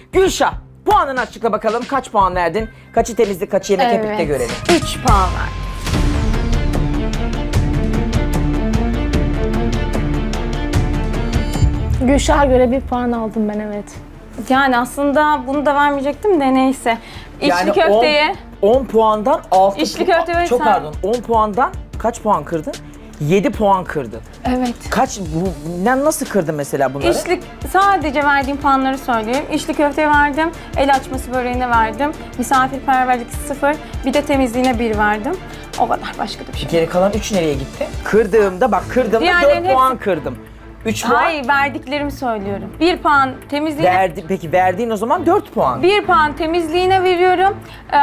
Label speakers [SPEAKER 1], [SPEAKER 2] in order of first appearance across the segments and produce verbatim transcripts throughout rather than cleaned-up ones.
[SPEAKER 1] Gülşah, puanını açıkla bakalım. Kaç puan verdin? Kaçı temizlik, kaçı yemek hep birlikte görelim.
[SPEAKER 2] üç puan verdim.
[SPEAKER 3] Gülşah'a göre bir puan aldım ben, evet.
[SPEAKER 2] Yani aslında bunu da vermeyecektim de neyse. İçli köfteye
[SPEAKER 1] on puandan altı
[SPEAKER 2] İçli
[SPEAKER 1] puan.
[SPEAKER 2] köfte ve
[SPEAKER 1] Çok
[SPEAKER 2] sen-
[SPEAKER 1] pardon. on puandan kaç puan kırdın? yedi puan kırdın.
[SPEAKER 2] evet.
[SPEAKER 1] Kaç bu ne nasıl kırdın mesela bunları?
[SPEAKER 2] İçli sadece verdiğim puanları söyleyeyim. İçli köfteye verdim, el açması böreğine verdim, misafirperverlik sıfır, bir de temizliğine bir verdim. O kadar, başka da bir şey.
[SPEAKER 1] Geri kalan üç nereye gitti? Kırdığımda bak kırdığımda
[SPEAKER 2] Diğerlerinin
[SPEAKER 1] dört puan
[SPEAKER 2] hepsi-
[SPEAKER 1] kırdım. üç puan
[SPEAKER 2] Hayır, verdiklerimi söylüyorum. Bir puan temizliğine,
[SPEAKER 1] verdi. Peki verdiğin o zaman dört puan.
[SPEAKER 2] bir puan temizliğine veriyorum. Ee,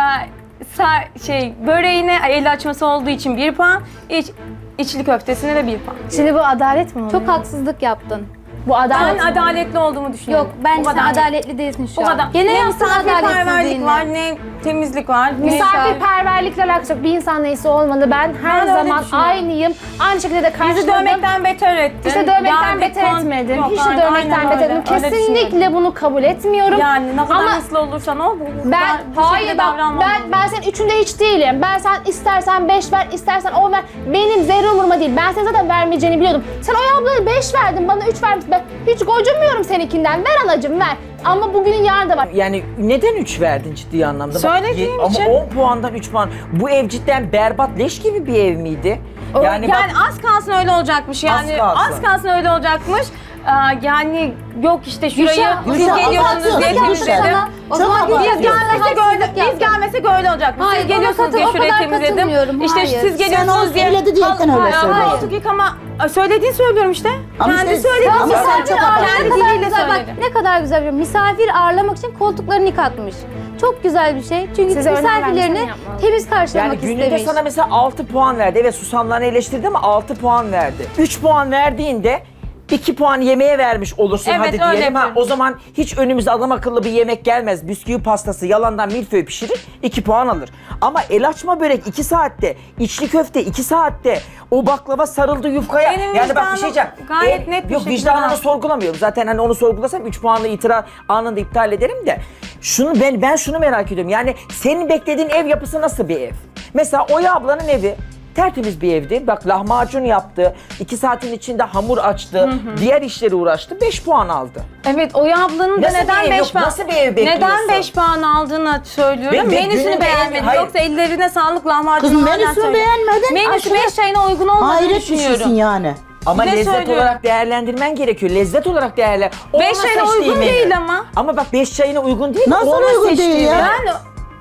[SPEAKER 2] sa- şey böreğine el açması olduğu için bir puan, iç, içli köftesine de bir puan.
[SPEAKER 3] Şimdi bu adalet mi oluyor?
[SPEAKER 4] Çok haksızlık yaptın.
[SPEAKER 3] Bu adalet
[SPEAKER 2] Ben
[SPEAKER 3] mi?
[SPEAKER 2] adaletli olduğumu düşünüyorum.
[SPEAKER 4] Yok, bence
[SPEAKER 2] O
[SPEAKER 4] sen
[SPEAKER 2] kadar.
[SPEAKER 4] adaletli değilsin şu
[SPEAKER 2] O
[SPEAKER 4] an.
[SPEAKER 2] kadar.
[SPEAKER 4] Gene
[SPEAKER 2] ne
[SPEAKER 4] yaptın
[SPEAKER 2] misafirperverlik
[SPEAKER 4] adaletsizliğini.
[SPEAKER 2] var, ne temizlik var. ne-
[SPEAKER 3] Misafirperverlikle alakası yok. Bir insan neyse olmalı. Ben her
[SPEAKER 2] Ben öyle
[SPEAKER 3] zaman
[SPEAKER 2] düşünüyorum.
[SPEAKER 3] aynıyım. Aynı şekilde de
[SPEAKER 2] Bizi
[SPEAKER 3] karşıladım.
[SPEAKER 2] dövmekten beter ettin.
[SPEAKER 3] İşte dövmekten
[SPEAKER 2] Yani
[SPEAKER 3] beter
[SPEAKER 2] kon-
[SPEAKER 3] etmedim.
[SPEAKER 2] Yok,
[SPEAKER 3] Hiç de
[SPEAKER 2] aynen,
[SPEAKER 3] dövmekten
[SPEAKER 2] aynen
[SPEAKER 3] beter
[SPEAKER 2] öyle.
[SPEAKER 3] etmedim.
[SPEAKER 2] Öyle
[SPEAKER 3] Kesinlikle
[SPEAKER 2] düşünüyorum.
[SPEAKER 3] bunu kabul etmiyorum.
[SPEAKER 2] Yani ne kadar
[SPEAKER 3] Ama
[SPEAKER 2] hırslı olursan ol, bu, bu,
[SPEAKER 3] ben,
[SPEAKER 2] bu
[SPEAKER 3] hayır
[SPEAKER 2] şekilde
[SPEAKER 3] bak,
[SPEAKER 2] davranmam.
[SPEAKER 3] ben, ben senin üçünde hiç değilim. Ben sen istersen beş ver, istersen on ver. Benim zerre umuruma değil. Ben senin zaten vermeyeceğini biliyordum. Sen o ablaya beş verdin, bana üç vermişsin. Ben hiç gocunmuyorum seninkinden. Ver anacığım, ver. Ama bugünün yarın da var.
[SPEAKER 1] Yani neden üç verdin ciddi anlamda? Bak,
[SPEAKER 2] Söylediğim
[SPEAKER 1] ye-
[SPEAKER 2] için.
[SPEAKER 1] Ama on puandan üç puan. Bu ev cidden berbat, leş gibi bir ev miydi?
[SPEAKER 2] O-
[SPEAKER 1] Yani,
[SPEAKER 2] yani,
[SPEAKER 1] bak,
[SPEAKER 2] az kalsın öyle olacakmış yani.
[SPEAKER 1] Az
[SPEAKER 2] Az
[SPEAKER 1] kalsın.
[SPEAKER 2] kalsın, öyle olacakmış. Aa, yani yok işte şurayı
[SPEAKER 4] Gülşah,
[SPEAKER 2] siz
[SPEAKER 4] Gülşah,
[SPEAKER 2] geliyorsunuz
[SPEAKER 4] abartıyorsun
[SPEAKER 2] diye
[SPEAKER 4] Gülşah.
[SPEAKER 2] temizledim.
[SPEAKER 4] O zaman
[SPEAKER 2] Biz
[SPEAKER 4] Gülşah,
[SPEAKER 2] gelmesek öyle, biz gelmesek öyle olacakmış.
[SPEAKER 4] Hayır,
[SPEAKER 2] Siz
[SPEAKER 4] ona
[SPEAKER 2] geliyorsunuz diye
[SPEAKER 4] katıl- o
[SPEAKER 2] şurayı
[SPEAKER 4] kadar
[SPEAKER 2] temizledim.
[SPEAKER 4] katılmıyorum,
[SPEAKER 2] İşte
[SPEAKER 4] hayır.
[SPEAKER 2] siz
[SPEAKER 4] Sen
[SPEAKER 2] geliyorsunuz
[SPEAKER 5] o
[SPEAKER 2] diye.
[SPEAKER 5] söyledi diyetten öyle
[SPEAKER 2] Hayır,
[SPEAKER 5] söylüyorsun.
[SPEAKER 2] koltuk yıkama söylediğini söylüyorum işte.
[SPEAKER 5] Ama
[SPEAKER 2] Kendi
[SPEAKER 5] işte-
[SPEAKER 2] söyledi.
[SPEAKER 5] Ama sen
[SPEAKER 2] Misafir
[SPEAKER 5] çok
[SPEAKER 2] ağırlamak
[SPEAKER 4] Ne
[SPEAKER 2] kendi
[SPEAKER 4] kadar
[SPEAKER 2] diliyle
[SPEAKER 4] güzel, bak,
[SPEAKER 2] söyledi.
[SPEAKER 4] ne kadar güzel bir misafir ağırlamak için koltuklarını yıkatmış. Çok güzel bir şey. Çünkü
[SPEAKER 3] Size önem
[SPEAKER 4] misafirlerini
[SPEAKER 3] vermesen yapmaz.
[SPEAKER 4] temiz
[SPEAKER 1] yani
[SPEAKER 4] karşılamak
[SPEAKER 1] gününde
[SPEAKER 4] istemiş.
[SPEAKER 1] sana mesela altı puan verdi. Evet, susamlarını eleştirdi ama altı puan verdi. üç puan verdiğinde iki puan yemeğe vermiş olursun
[SPEAKER 2] Evet,
[SPEAKER 1] hadi
[SPEAKER 2] öyle
[SPEAKER 1] diyelim. Ha,
[SPEAKER 2] yapıyorum.
[SPEAKER 1] o zaman hiç önümüze adam akıllı bir yemek gelmez. Bisküvi pastası yalandan milföy pişirir, iki puan alır. Ama el açma börek iki saatte, içli köfte iki saatte, o baklava sarıldı yufkaya.
[SPEAKER 2] Benim
[SPEAKER 1] yani bak bir
[SPEAKER 2] vicdanım
[SPEAKER 1] şey diyeceğim.
[SPEAKER 2] gayet net bir
[SPEAKER 1] Yok,
[SPEAKER 2] şekilde
[SPEAKER 1] vicdanını
[SPEAKER 2] var.
[SPEAKER 1] sorgulamıyorum. Zaten hani onu sorgulasam üç puanlı itiraz anında iptal ederim de. Şunu ben ben şunu merak ediyorum. Yani senin beklediğin ev yapısı nasıl bir ev? Mesela Oya ablanın evi tertemiz bir evdi. Bak, lahmacun yaptı. iki saatin içinde hamur açtı. Diğer işlere uğraştı. beş puan aldı.
[SPEAKER 2] Evet, Oya ablanın da
[SPEAKER 1] Nasıl bir
[SPEAKER 2] neden
[SPEAKER 1] ev
[SPEAKER 2] beş
[SPEAKER 1] yok?
[SPEAKER 2] puan
[SPEAKER 1] Nasıl bir ev bekliyorsun?
[SPEAKER 2] Neden beş puan aldığını söylüyorum.
[SPEAKER 1] Ve- ve
[SPEAKER 2] Menüsünü
[SPEAKER 1] gününde-
[SPEAKER 2] beğenmedim.
[SPEAKER 1] Hayır.
[SPEAKER 2] Yoksa ellerine sağlık, lahmacun.
[SPEAKER 5] Kızım menüsünü beğenmedin.
[SPEAKER 2] Menüsü
[SPEAKER 5] aşırı-
[SPEAKER 2] beş çayına uygun olmadığını
[SPEAKER 5] Hayret bir şeysin
[SPEAKER 2] düşünüyorum.
[SPEAKER 5] yani.
[SPEAKER 1] Ama
[SPEAKER 2] Ne
[SPEAKER 1] lezzet
[SPEAKER 2] söylüyorum?
[SPEAKER 1] olarak değerlendirmen gerekiyor. Lezzet olarak değerlen.
[SPEAKER 2] Beş
[SPEAKER 1] Onun
[SPEAKER 2] çayına
[SPEAKER 1] seçtiği
[SPEAKER 2] uygun
[SPEAKER 1] menü.
[SPEAKER 2] değil ama.
[SPEAKER 1] Ama bak, beş çayına uygun değil.
[SPEAKER 5] Nasıl
[SPEAKER 1] onun
[SPEAKER 5] uygun
[SPEAKER 1] seçtiği
[SPEAKER 5] değil ya?
[SPEAKER 1] menü.
[SPEAKER 2] Ben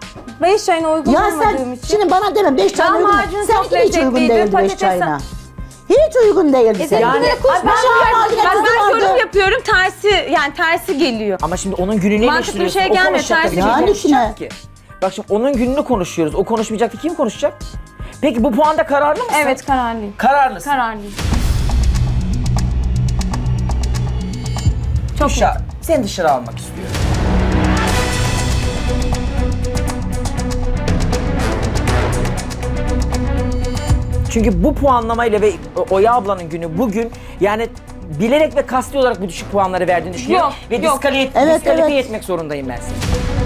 [SPEAKER 2] beş çayına uygun
[SPEAKER 5] Ya
[SPEAKER 2] olmadığım
[SPEAKER 5] sen
[SPEAKER 2] için.
[SPEAKER 5] şimdi bana deme beş çayına uygun.
[SPEAKER 2] Lahmacun
[SPEAKER 5] Sen
[SPEAKER 2] çok
[SPEAKER 5] hiç uygun
[SPEAKER 2] lezzetliydi,
[SPEAKER 5] değildi beş
[SPEAKER 2] patates-
[SPEAKER 5] çayına. Hiç uygun değildi
[SPEAKER 4] E
[SPEAKER 5] senin.
[SPEAKER 4] sen
[SPEAKER 1] Yani-
[SPEAKER 4] yani, kuş
[SPEAKER 2] Ay, ben,
[SPEAKER 5] lahmacun
[SPEAKER 2] bak,
[SPEAKER 5] tuzu
[SPEAKER 2] ben
[SPEAKER 5] vardı.
[SPEAKER 2] yorum yapıyorum, tersi yani tersi geliyor.
[SPEAKER 1] Ama şimdi onun gününü
[SPEAKER 2] Mantıklı bir
[SPEAKER 1] eleştiriyorsun.
[SPEAKER 2] şey
[SPEAKER 1] O
[SPEAKER 2] gelmiyor,
[SPEAKER 1] konuşacak
[SPEAKER 2] ters
[SPEAKER 1] tabii.
[SPEAKER 5] bir
[SPEAKER 1] Kim
[SPEAKER 5] şey.
[SPEAKER 1] konuşacak
[SPEAKER 5] Yani
[SPEAKER 1] ki? Bak şimdi onun gününü konuşuyoruz. O konuşmayacaktı. Kim konuşacak? Peki bu puanda kararlı mısın?
[SPEAKER 2] Evet, kararlıyım.
[SPEAKER 1] Kararlısın.
[SPEAKER 2] Kararlıyım. Çok iyi.
[SPEAKER 1] Gülşah, seni dışarı almak istiyorum. Çünkü bu puanlamayla ve Oya ablanın günü bugün yani bilerek ve kasti olarak bu düşük puanları verdiğini düşünüyorum.
[SPEAKER 2] Yok,
[SPEAKER 1] ve
[SPEAKER 2] yok.
[SPEAKER 1] diskalifiye,
[SPEAKER 5] Evet,
[SPEAKER 1] diskalifiye
[SPEAKER 5] evet.
[SPEAKER 1] etmek zorundayım ben seni.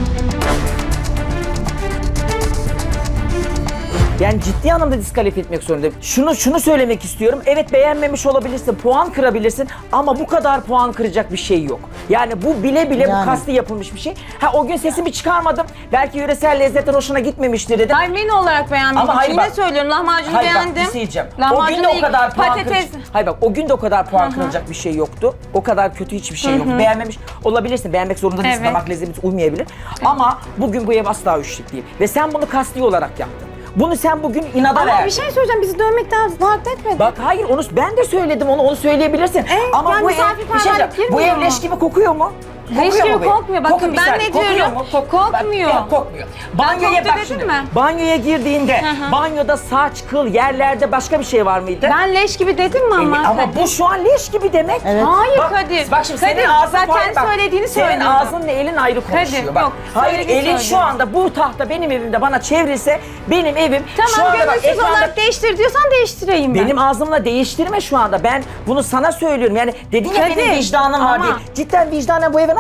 [SPEAKER 1] Yani ciddi anlamda diskalifiye etmek zorundayım. Şunu şunu söylemek istiyorum. Evet, beğenmemiş olabilirsin, puan kırabilirsin ama bu kadar puan kıracak bir şey yok. Yani bu bile bile bu
[SPEAKER 5] Yani.
[SPEAKER 1] kasti yapılmış bir şey. Ha, o gün sesimi çıkarmadım. Belki yöresel lezzetten hoşuna gitmemiştir dedim.
[SPEAKER 2] Hayır, menü olarak beğenmedim.
[SPEAKER 1] Ama hayır
[SPEAKER 2] Yine
[SPEAKER 1] bak-
[SPEAKER 2] söylüyorum, lahmacunu
[SPEAKER 1] Hayır bak,
[SPEAKER 2] beğendim.
[SPEAKER 1] bir şey diyeceğim. O gün
[SPEAKER 2] Lahmacunu
[SPEAKER 1] de o
[SPEAKER 2] ilk-
[SPEAKER 1] kadar puan
[SPEAKER 2] patates.
[SPEAKER 1] kıracak. Hayır bak, o gün de o kadar puan kırılacak bir şey yoktu. O kadar kötü hiçbir şey yok. Beğenmemiş olabilirsin. Beğenmek zorunda değilsin.
[SPEAKER 2] Evet.
[SPEAKER 1] Damak lezzetimiz uymayabilir. Ama bugün bu ev asla üçlük değil. Ve sen bunu kasti olarak yaptın. Bunu sen bugün inada
[SPEAKER 2] Ama
[SPEAKER 1] verdin.
[SPEAKER 2] bir şey söyleyeceğim, bizi dövmekten fark etmedi.
[SPEAKER 1] Bak hayır, onu ben de söyledim, onu onu söyleyebilirsin. Ama
[SPEAKER 2] yani
[SPEAKER 1] bu ev, bir şey
[SPEAKER 2] misafirperverlik
[SPEAKER 1] diyeceğim, bu
[SPEAKER 2] girmiyor
[SPEAKER 1] ev
[SPEAKER 2] mu?
[SPEAKER 1] leş gibi kokuyor mu?
[SPEAKER 2] Leş
[SPEAKER 1] Kokuyor
[SPEAKER 2] gibi
[SPEAKER 1] mu bu ev?
[SPEAKER 2] kokmuyor. Bakın
[SPEAKER 1] Koku- bir
[SPEAKER 2] ben
[SPEAKER 1] saniye,
[SPEAKER 2] ne
[SPEAKER 1] kokuyor
[SPEAKER 2] diyorum?
[SPEAKER 1] mu? Kok-
[SPEAKER 2] Kokmuyor.
[SPEAKER 1] Bak, yok, kokmuyor. Banyoya
[SPEAKER 2] koktu
[SPEAKER 1] bak
[SPEAKER 2] dedim
[SPEAKER 1] şimdi.
[SPEAKER 2] mi?
[SPEAKER 1] Banyoya girdiğinde
[SPEAKER 2] hı.
[SPEAKER 1] banyoda saç, kıl, yerlerde başka bir şey var mıydı?
[SPEAKER 2] Ben leş gibi dedim mi ama?
[SPEAKER 1] E, ama bu şu an leş gibi demek.
[SPEAKER 5] Evet.
[SPEAKER 2] Hayır
[SPEAKER 1] Bak,
[SPEAKER 2] Kadir.
[SPEAKER 1] bak şimdi
[SPEAKER 2] Kadir,
[SPEAKER 1] senin ağzın
[SPEAKER 2] zaten
[SPEAKER 1] farklı, bak.
[SPEAKER 2] söylediğini
[SPEAKER 1] Senin
[SPEAKER 2] söylüyorum.
[SPEAKER 1] ağzınla elin ayrı konuşuyor.
[SPEAKER 2] Kadir,
[SPEAKER 1] bak.
[SPEAKER 2] yok,
[SPEAKER 1] Hayır,
[SPEAKER 2] söylediğini
[SPEAKER 1] elin şu
[SPEAKER 2] söylüyorum.
[SPEAKER 1] anda bu tahta benim evimde bana çevrilse benim evim şu
[SPEAKER 2] Tamam,
[SPEAKER 1] anda bak
[SPEAKER 2] gönülsüz
[SPEAKER 1] ekranda
[SPEAKER 2] olarak değiştir diyorsan değiştireyim ben.
[SPEAKER 1] benim ağzımla değiştirme şu anda. Ben bunu sana söylüyorum. Yani dedin ya
[SPEAKER 2] Kadir,
[SPEAKER 1] benim vicdanım var
[SPEAKER 2] ama-
[SPEAKER 1] diye. Cidden vicdanen bu eve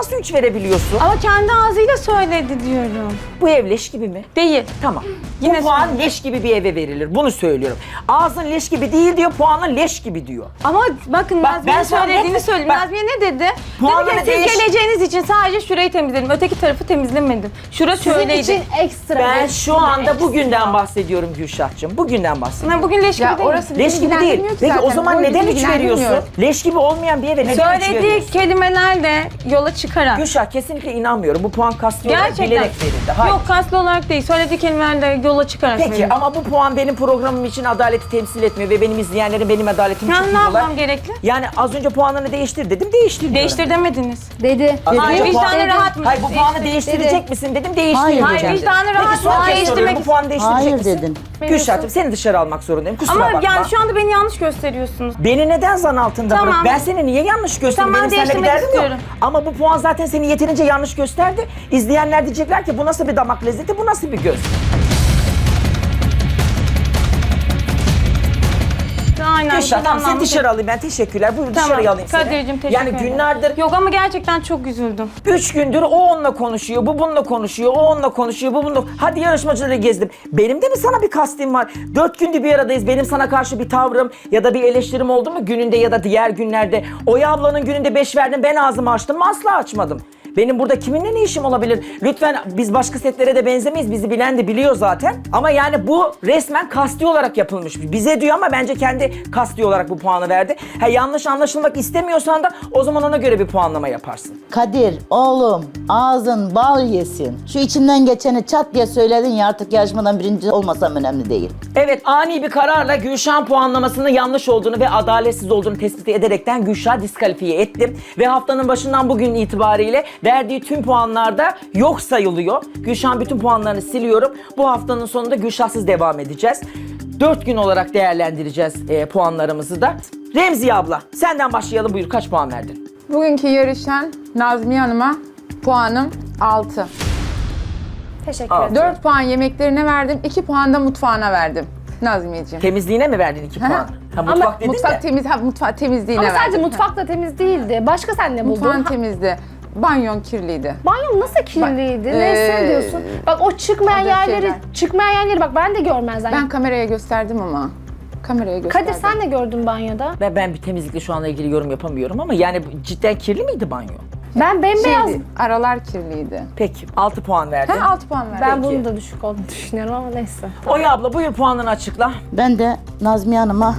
[SPEAKER 1] nasıl üç verebiliyorsun?
[SPEAKER 2] Ama kendi ağzıyla söyledi diyorum.
[SPEAKER 1] Bu ev leş gibi mi?
[SPEAKER 2] Değil.
[SPEAKER 1] Tamam.
[SPEAKER 2] Yine
[SPEAKER 1] bu puan
[SPEAKER 2] söyleyeyim.
[SPEAKER 1] leş gibi bir eve verilir. Bunu söylüyorum. Ağzın leş gibi değil diyor, puanın leş gibi diyor.
[SPEAKER 2] Ama bakın
[SPEAKER 1] Bak,
[SPEAKER 2] Nazmiye'nin
[SPEAKER 1] ben sana
[SPEAKER 2] söylediğini
[SPEAKER 1] net-
[SPEAKER 2] söyleyeyim.
[SPEAKER 1] bak,
[SPEAKER 2] Nazmiye ne dedi?
[SPEAKER 1] puanları
[SPEAKER 2] Dedi ki siz
[SPEAKER 1] değiş-
[SPEAKER 2] geleceğiniz için sadece şurayı temizledim. Öteki tarafı temizlemedim. Şura
[SPEAKER 3] Sizin
[SPEAKER 2] şöyleydi.
[SPEAKER 3] için ekstra.
[SPEAKER 1] Ben
[SPEAKER 3] ekstra,
[SPEAKER 1] şu anda
[SPEAKER 3] ekstra.
[SPEAKER 1] bugünden bahsediyorum Gülşah'cığım. Bugünden bahsediyorum.
[SPEAKER 2] Ha, bugün leş gibi
[SPEAKER 6] Ya
[SPEAKER 2] değil.
[SPEAKER 6] orası
[SPEAKER 1] Leş
[SPEAKER 6] bizi
[SPEAKER 1] gibi değil.
[SPEAKER 6] ilgilendirmiyor ki
[SPEAKER 1] Peki o
[SPEAKER 6] zaten.
[SPEAKER 1] zaman
[SPEAKER 6] O
[SPEAKER 1] neden
[SPEAKER 6] bizi
[SPEAKER 1] üç veriyorsun?
[SPEAKER 6] ilgilendirmiyor.
[SPEAKER 1] Leş gibi olmayan bir eve neden üç
[SPEAKER 2] Söylediği
[SPEAKER 1] veriyorsun?
[SPEAKER 2] kelimelerle yola çıkarak.
[SPEAKER 1] Gülşah kesinlikle inanmıyorum. Bu puan kasti olarak
[SPEAKER 2] Gerçekten.
[SPEAKER 1] bilerek verildi. Hayır.
[SPEAKER 2] Yok kaslı olarak değil. Söylediği kelimelerle yola çıkarak.
[SPEAKER 1] Peki
[SPEAKER 2] verildi.
[SPEAKER 1] ama bu puan benim programım için adaleti temsil etmiyor ve benim izleyenlerim benim adaletimi çok
[SPEAKER 2] Yani ne
[SPEAKER 1] biliyorlar.
[SPEAKER 2] yapmam gerekli?
[SPEAKER 1] Yani az önce puanını değiştir dedim, değiştir diyorum.
[SPEAKER 2] Değiştir demediniz.
[SPEAKER 4] Dedi.
[SPEAKER 1] Az
[SPEAKER 2] Ay
[SPEAKER 1] önce puan-
[SPEAKER 2] vicdanı rahat mı?
[SPEAKER 1] Hayır bu puanı
[SPEAKER 2] Değiştir.
[SPEAKER 1] değiştirecek misin dedim, değiştir
[SPEAKER 5] Hayır,
[SPEAKER 1] diyeceğim
[SPEAKER 5] hayır,
[SPEAKER 1] dedim.
[SPEAKER 2] vicdanı rahat
[SPEAKER 1] Peki
[SPEAKER 2] mı?
[SPEAKER 1] son kez
[SPEAKER 2] Değiştirmek
[SPEAKER 1] soruyorum, bu puanı değiştirecek
[SPEAKER 5] Hayır
[SPEAKER 1] misin?
[SPEAKER 5] dedin.
[SPEAKER 1] Gülşah'cığım seni dışarı almak zorundayım, kusura
[SPEAKER 2] Ama
[SPEAKER 1] bakma.
[SPEAKER 2] yani şu anda beni yanlış gösteriyorsunuz.
[SPEAKER 1] Beni neden zan altında
[SPEAKER 2] Tamam.
[SPEAKER 1] bırak? Ben seni niye yanlış gösterdim?
[SPEAKER 2] Tamam,
[SPEAKER 1] Benim seninle bir
[SPEAKER 2] değiştirmek
[SPEAKER 1] derdim yok.
[SPEAKER 2] istiyorum.
[SPEAKER 1] Ama bu puan zaten seni yeterince yanlış gösterdi. İzleyenler diyecekler ki bu nasıl bir damak lezzeti, bu nasıl bir göz?
[SPEAKER 2] Aynen.
[SPEAKER 1] Gülşah tamam seni
[SPEAKER 2] kullanmam
[SPEAKER 1] dışarı alayım ben, teşekkürler. Buyur
[SPEAKER 2] Tamam.
[SPEAKER 1] dışarıya alayım seni.
[SPEAKER 2] Kadir'cim teşekkür
[SPEAKER 1] Yani
[SPEAKER 2] ederim.
[SPEAKER 1] günlerdir
[SPEAKER 2] Yok ama gerçekten çok üzüldüm.
[SPEAKER 1] Üç gündür o onunla konuşuyor, bu bununla konuşuyor, o onunla konuşuyor, bu bununla... Hadi yarışmacıları gezdim. Benim de mi sana bir kastim var? Dört gündür bir aradayız. Benim sana karşı bir tavrım ya da bir eleştirim oldu mu gününde ya da diğer günlerde? Oya ablanın gününde beş verdin, ben ağzımı açtım mı? Asla açmadım. Benim burada kiminle ne işim olabilir? Lütfen biz başka setlere de benzemeyiz. Bizi bilen de biliyor zaten. Ama yani bu resmen kasti olarak yapılmış. Bize diyor ama bence kendi kasti olarak bu puanı verdi. Ha, yanlış anlaşılmak istemiyorsan da o zaman ona göre bir puanlama yaparsın.
[SPEAKER 5] Kadir oğlum ağzın bal yesin. Şu içinden geçeni çat diye söyledin ya, artık yarışmadan birinci olmasam önemli değil.
[SPEAKER 1] Evet, ani bir kararla Gülşah'ın puanlamasının yanlış olduğunu ve adaletsiz olduğunu tespit ederekten Gülşah'ı diskalifiye ettim. Ve haftanın başından bugün itibariyle verdiği tüm puanlarda yok sayılıyor. Gülşah'ın bütün puanlarını siliyorum. Bu haftanın sonunda Gülşah'sız devam edeceğiz. Dört gün olarak değerlendireceğiz e, puanlarımızı da. Remziye abla, senden başlayalım, buyur, kaç puan verdin?
[SPEAKER 6] Bugünkü yarışan Nazmiye Hanım'a puanım altı.
[SPEAKER 3] Teşekkür
[SPEAKER 1] Aa.
[SPEAKER 3] ederim.
[SPEAKER 6] dört puan yemeklerine verdim, iki puan da mutfağına verdim Nazmiyeciğim.
[SPEAKER 1] Temizliğine mi verdin iki puan? Ha, mutfak dedin
[SPEAKER 6] mutfak
[SPEAKER 1] de.
[SPEAKER 6] temiz, ha, mutfak temizliğine
[SPEAKER 3] Ama sadece
[SPEAKER 6] verdim.
[SPEAKER 3] mutfak da temiz değildi. Başka sen ne buldun?
[SPEAKER 6] Mutfağın
[SPEAKER 3] Ha,
[SPEAKER 6] temizdi. Banyon kirliydi.
[SPEAKER 3] Banyon nasıl kirliydi?
[SPEAKER 6] Bak,
[SPEAKER 3] Ne
[SPEAKER 6] ee,
[SPEAKER 3] hissediyorsun? Bak o çıkmayan
[SPEAKER 6] Adet
[SPEAKER 3] yerleri,
[SPEAKER 6] şeyler.
[SPEAKER 3] çıkmayan yerleri bak ben de görmezden.
[SPEAKER 6] Ben kameraya gösterdim ama. Kameraya gösterdim.
[SPEAKER 3] Kadir sen de gördün banyoda.
[SPEAKER 1] Ben, ben bir temizlikle şu anla ilgili yorum yapamıyorum ama yani cidden kirli miydi banyo?
[SPEAKER 3] Ben bembeyaz.
[SPEAKER 6] Şeydi, aralar kirliydi.
[SPEAKER 1] Peki, altı puan verdin.
[SPEAKER 6] Ha, altı puan verdim.
[SPEAKER 3] Ben
[SPEAKER 1] Peki.
[SPEAKER 3] bunun da düşük olduğunu düşünüyorum ama neyse.
[SPEAKER 1] Oya abla buyur puanını açıkla.
[SPEAKER 5] Ben de Nazmiye Hanım'a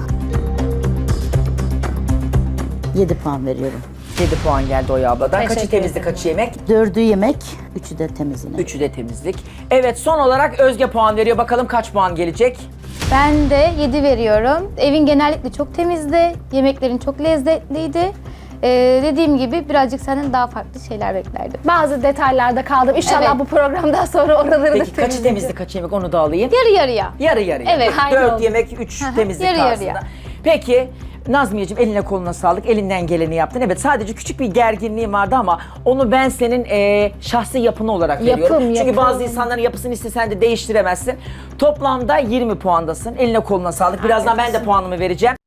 [SPEAKER 5] yedi puan veriyorum.
[SPEAKER 1] yedi puan geldi Oya abladan. Kaçı
[SPEAKER 3] Teşekkür
[SPEAKER 1] temizlik, kaçı yemek?
[SPEAKER 5] Dördü yemek, üçü de temizliğine.
[SPEAKER 1] Üçü de temizlik. Evet, son olarak Özge puan veriyor. Bakalım kaç puan gelecek?
[SPEAKER 4] Ben de yedi veriyorum. Evin genellikle çok temizdi. Yemeklerin çok lezzetliydi. Ee, dediğim gibi birazcık senden daha farklı şeyler beklerdim.
[SPEAKER 3] Bazı detaylarda kaldım. İnşallah
[SPEAKER 4] Evet.
[SPEAKER 3] bu programdan sonra oraları da
[SPEAKER 1] Peki kaçı
[SPEAKER 3] temizleyeceğim.
[SPEAKER 1] temizlik, kaçı yemek onu da alayım.
[SPEAKER 4] Yarı yarıya.
[SPEAKER 1] Yarı yarıya.
[SPEAKER 4] Evet,
[SPEAKER 3] aynı
[SPEAKER 1] Dört
[SPEAKER 3] oldu.
[SPEAKER 1] yemek, üç temizlik
[SPEAKER 4] yarı
[SPEAKER 1] tarzında.
[SPEAKER 4] yarıya.
[SPEAKER 1] Peki Nazmiyeciğim eline koluna sağlık. Elinden geleni yaptın. Evet, sadece küçük bir gerginliğim vardı ama onu ben senin e, şahsi yapın olarak
[SPEAKER 3] Yapım,
[SPEAKER 1] veriyorum. Çünkü
[SPEAKER 3] yapım.
[SPEAKER 1] bazı insanların yapısını istesen de değiştiremezsin. Toplamda yirmi puandasın. Eline koluna sağlık. Birazdan ben de puanımı vereceğim.